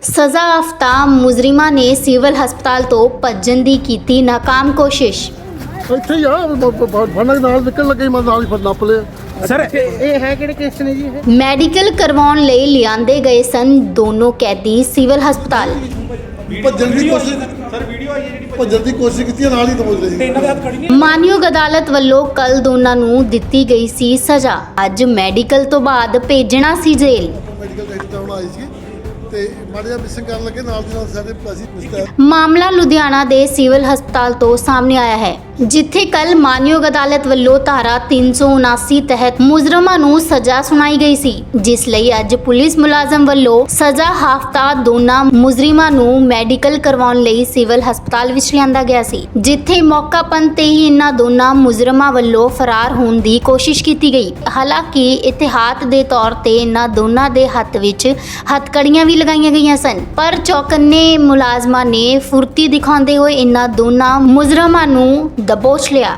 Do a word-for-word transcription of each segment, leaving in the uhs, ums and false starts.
सज़ा याफ्ता मुजरिमा ने सिविल हस्पताल तो भज्जण दी कीती नाकाम कोशिश। ਇੱਥੇ ਹੀ ਆ ਫੜਨ ਨਾਲ ਨਿਕਲ ਲੱਗੇ ਮੈਂ ਨਾਲ ਹੀ ਫਿਰ ਨੱਪ ਲਿਆ ਸਰ ਇਹ ਹੈ ਕਿਹੜੇ ਕੇਸ ਨੇ ਜੀ ਇਹ ਮੈਡੀਕਲ ਕਰਵਾਉਣ ਲਈ ਲਿਆਂਦੇ ਗਏ ਸਨ ਦੋਨੋਂ ਕੈਦੀ ਸਿਵਲ ਹਸਪਤਾਲ। ਭੱਜਣ ਦੀ ਕੋਸ਼ਿਸ਼ ਸਰ ਵੀਡੀਓ ਆਈ ਹੈ ਜਿਹੜੀ ਭੱਜਣ ਦੀ ਕੋਸ਼ਿਸ਼ ਕੀਤੀ ਨਾਲ ਹੀ ਦਬੋਚ ਲਈ ਤੇ ਇਹਨਾਂ ਦੇ ਹੱਥ ਖੜੀ ਨਹੀਂ ਮਾਨਯੋਗ ਅਦਾਲਤ ਵੱਲੋਂ ਕੱਲ ਦੋਨਾਂ ਨੂੰ ਦਿੱਤੀ ਗਈ ਸੀ ਸਜ਼ਾ। ਅੱਜ ਮੈਡੀਕਲ ਤੋਂ ਬਾਅਦ ਭੇਜਣਾ ਸੀ ਜੇਲ੍ਹ। ਮੈਡੀਕਲ ਟੈਸਟ ਕਰਾਉਣ ਆਈ ਸੀ ਤੇ ਮਾੜਾ ਜਿਹਾ ਮਿਸਿੰਗ ਕਰਨ ਲੱਗੇ ਨਾਲ ਦੀ ਨਾਲ ਸਾਡੇ ਅਸੀਂ ਪੁੱਛਿਆ ਮਾਮਲਾ ਲੁਧਿਆਣਾ ਦੇ ਸਿਵਲ ਹਸਪਤਾਲ ਤੋਂ ਸਾਹਮਣੇ ਆਇਆ ਹੈ, ਜਿੱਥੇ ਕੱਲ ਮਾਨਯੋਗ ਅਦਾਲਤ ਵੱਲੋਂ ਧਾਰਾ ਤਿੰਨ ਸੌ ਉਨਾਸੀ ਤਹਿਤ ਮੁਜਰਮਾਂ ਨੂੰ ਸਜ਼ਾ ਸੁਣਾਈ ਗਈ ਸੀ, ਜਿਸ ਲਈ ਅੱਜ ਪੁਲਿਸ ਮੁਲਾਜ਼ਮ ਵੱਲੋਂ ਸਜ਼ਾ ਹਾਫਤਾ ਦੋਨਾਂ ਮੁਜਰਮਾਂ ਨੂੰ ਮੈਡੀਕਲ ਕਰਵਾਉਣ ਲਈ ਸਿਵਲ ਹਸਪਤਾਲ ਵਿੱਚ ਲਿਆਂਦਾ ਗਿਆ ਸੀ, ਜਿੱਥੇ ਮੌਕਾਪਨ ਤੇ ਹੀ ਇਹਨਾਂ ਦੋਨਾਂ ਮੁਜਰਮਾਂ ਵੱਲੋਂ ਫਰਾਰ ਹੋਣ ਦੀ ਕੋਸ਼ਿਸ਼ ਕੀਤੀ ਗਈ। ਹਾਲਾਂਕਿ ਇਤਿਹਾਤ ਦੇ ਤੌਰ ਤੇ ਇਹਨਾਂ ਦੋਨਾਂ ਦੇ ਹੱਥ ਵਿੱਚ ਹੱਥਕੜੀਆਂ ਵੀ ਲਗਾਈਆਂ ਗਈਆਂ ਸਨ, ਪਰ ਚੌਕੰਨੇ ਮੁਲਾਜ਼ਮਾਂ ਨੇ ਫੁਰਤੀ ਦਿਖਾਉਂਦੇ ਹੋਏ ਇਹਨਾਂ ਦੋਨਾਂ ਮੁਜਰਮਾਂ ਨੂੰ ਦਬੋਚ ਲਿਆ।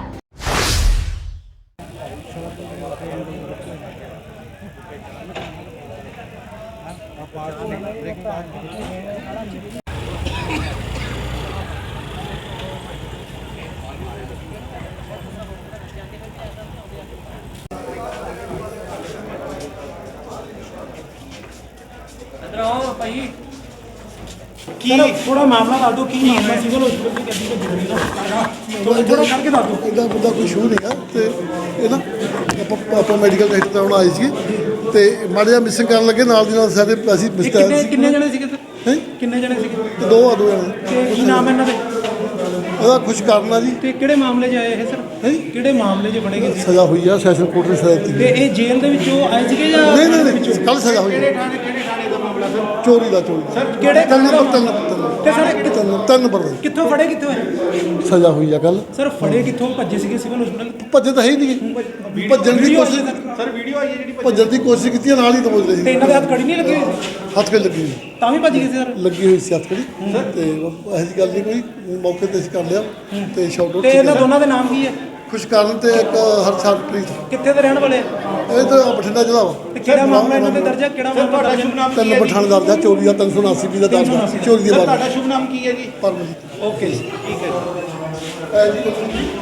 ਕੀ ਥੋੜਾ ਮਾਮਲਾ ਦੱਸ ਦਿਓ ਕੀ ਮਾਮਲਾ ਸਿਵਲ ਹਸਪਤਾਲ ਦੀ ਕੈਦੀ ਦਾ ਜ਼ਰੂਰੀ ਨਾ ਥੋੜਾ ਥੋੜਾ ਕਰਕੇ ਦੱਸ ਦਿਓ। ਇਹਦਾ ਬੰਦਾ ਕੋਈ ਸ਼ੂ ਨਹੀਂਗਾ ਤੇ ਇਹ ਨਾ ਆਪਾਂ ਆਪਾਂ ਮੈਡੀਕਲ ਟੈਸਟ ਕਰਾਉਣ ਆਏ ਸੀ ਤੇ ਮਾੜਾ ਜਿਹਾ ਮਿਸਿੰਗ ਕਰਨ ਲੱਗੇ ਨਾਲ ਦੀ ਨਾਲ ਸਾਡੇ ਅਸੀਂ ਇਹ ਕਿੰਨੇ ਕਿੰਨੇ ਜਣੇ ਸੀਗੇ ਸਰ? ਹੈਂ? ਕਿੰਨੇ ਜਣੇ ਸੀਗੇ ਦੋ ਆ ਦੋ ਜਣੇ ਤੇ ਕੀ ਨਾਮ ਹੈ ਇਹਨਾਂ ਦੇ? ਇਹਦਾ ਖੁਸ਼ ਕਰਨਾ ਜੀ ਤੇ ਕਿਹੜੇ ਮਾਮਲੇ 'ਚ ਆਏ ਇਹ ਸਰ? ਹੈਂ? ਕਿਹੜੇ ਮਾਮਲੇ 'ਚ ਬਣੇ ਗਏ ਸੀ? ਸਜ਼ਾ ਹੋਈ ਆ ਸੈਸ਼ਨ ਕੋਰਟ ਨੇ ਸਜ਼ਾ ਦਿੱਤੀ ਤੇ ਇਹ ਜੇਲ੍ਹ ਦੇ ਵਿੱਚੋਂ ਆਏ ਸੀਗੇ ਜਾਂ ਨਹੀਂ ਨਹੀਂ ਨਹੀਂ ਕੱਲ ਸਜ਼ਾ ਹੋਈ ਕਿਹੜੇ ਥਾਣੇ ਕਿਹੜੇ ਥਾਣੇ ਦਾ ਮਾਮਲਾ ਸਰ? ਚੋਰੀ ਦਾ ਚੋਰੀ ਸਰ ਕਿਹੜੇ ਤਿੰਨ ਥਾਣੇ ਦਾ ਨੰਬਰ ਤਿੰਨ ਮਾਮਲਾ? ਤਿੰਨ ਤੇ ਸਰ ਤਿੰਨ ਤਿੰਨ ਨੰਬਰ ਦਾ ਕਿੱਥੋਂ ਫੜੇ ਕਿੱਥੋਂ ਹੈ ਸਜ਼ਾ ਹੋਈ ਆ ਕੱਲ ਸਰ? ਫੜੇ ਕਿੱਥੋਂ ਭੱਜੇ ਸੀਗੇ ਸਿਵਲ ਹਸਪਤਾਲ? ਭੱਜੇ ਤਾਂ ਹੈ ਹੀ ਨਹੀਂ ਭੱਜਣ ਦੀ ਕੋਸ਼ਿਸ਼ ਸਰ ਵੀਡੀਓ ਆਈ ਹੈ ਜਿਹੜੀ ਭੱਜਣ ਦੀ ਕੋਸ਼ਿਸ਼ ਕੀਤੀ ਨਾਲ ਹੀ ਦਬੋਚ ਤੇ ਲਈ ਇਹਨਾਂ ਦੇ ਹੱਥ ਖੜੀ ਨਹੀਂ ਲੱਗੀ ਹੋਈ ਸੀ? ਹੱਥ ਕੇ ਲੱਗੀ ਹੋਈ ਤਾਂ ਵੀ ਭੱਜ ਗਏ ਸੀ ਸਰ? ਲੱਗੀ ਹੋਈ ਸੀ ਹੱਥ ਕੜੀ ਤੇ ਇਹੋ ਜਿਹੀ ਗੱਲ ਨਹੀਂ ਕੋਈ ਮੌਕੇ ਤੇ ਅਸੀਂ ਕਰ ਲਿਆ ਤੇ ਸ਼ਾਟ ਆਊਟ ਤੇ ਇਹਨਾਂ ਦੋਨਾਂ ਦੇ ਨਾਮ ਕੀ ਹੈ? ਖੁਸ਼ਕਰਨ ਤੇ ਇੱਕ ਹਰਸ਼ਾਦਪ੍ਰੀਤ ਕਿੱਥੇ ਦੇ ਰਹਿਣ ਵਾਲੇ ਆ? ਇਹ ਤਾਂ ਬਠਿੰਡਾ ਜ਼ਿਲ੍ਹਾ ਵਾ ਤੇ ਕਿਹੜਾ ਮਾਮਲਾ ਇਹਨਾਂ ਦੇ ਦਰਜ ਹੈ? ਕਿਹੜਾ ਮਾਮਲਾ ਦਰਜ ਹੈ? ਤਿੰਨ ਪਠਾਣ ਦਰਜ ਆ ਚੋਰੀ ਦਾ ਤਿੰਨ ਸੌ ਉਨਾਸੀ ਵੀ ਦਾ ਦਰਜ ਆ ਚੋਰੀ ਦੀ ਬਾਤ ਤੁਹਾਡਾ ਸ਼ੁਭ ਨਾਮ ਕੀ ਹੈ ਜੀ? ਪਰਮਜੀਤ ਓਕੇ ਜੀ ਠੀਕ ਹੈ ਐ ਜੀ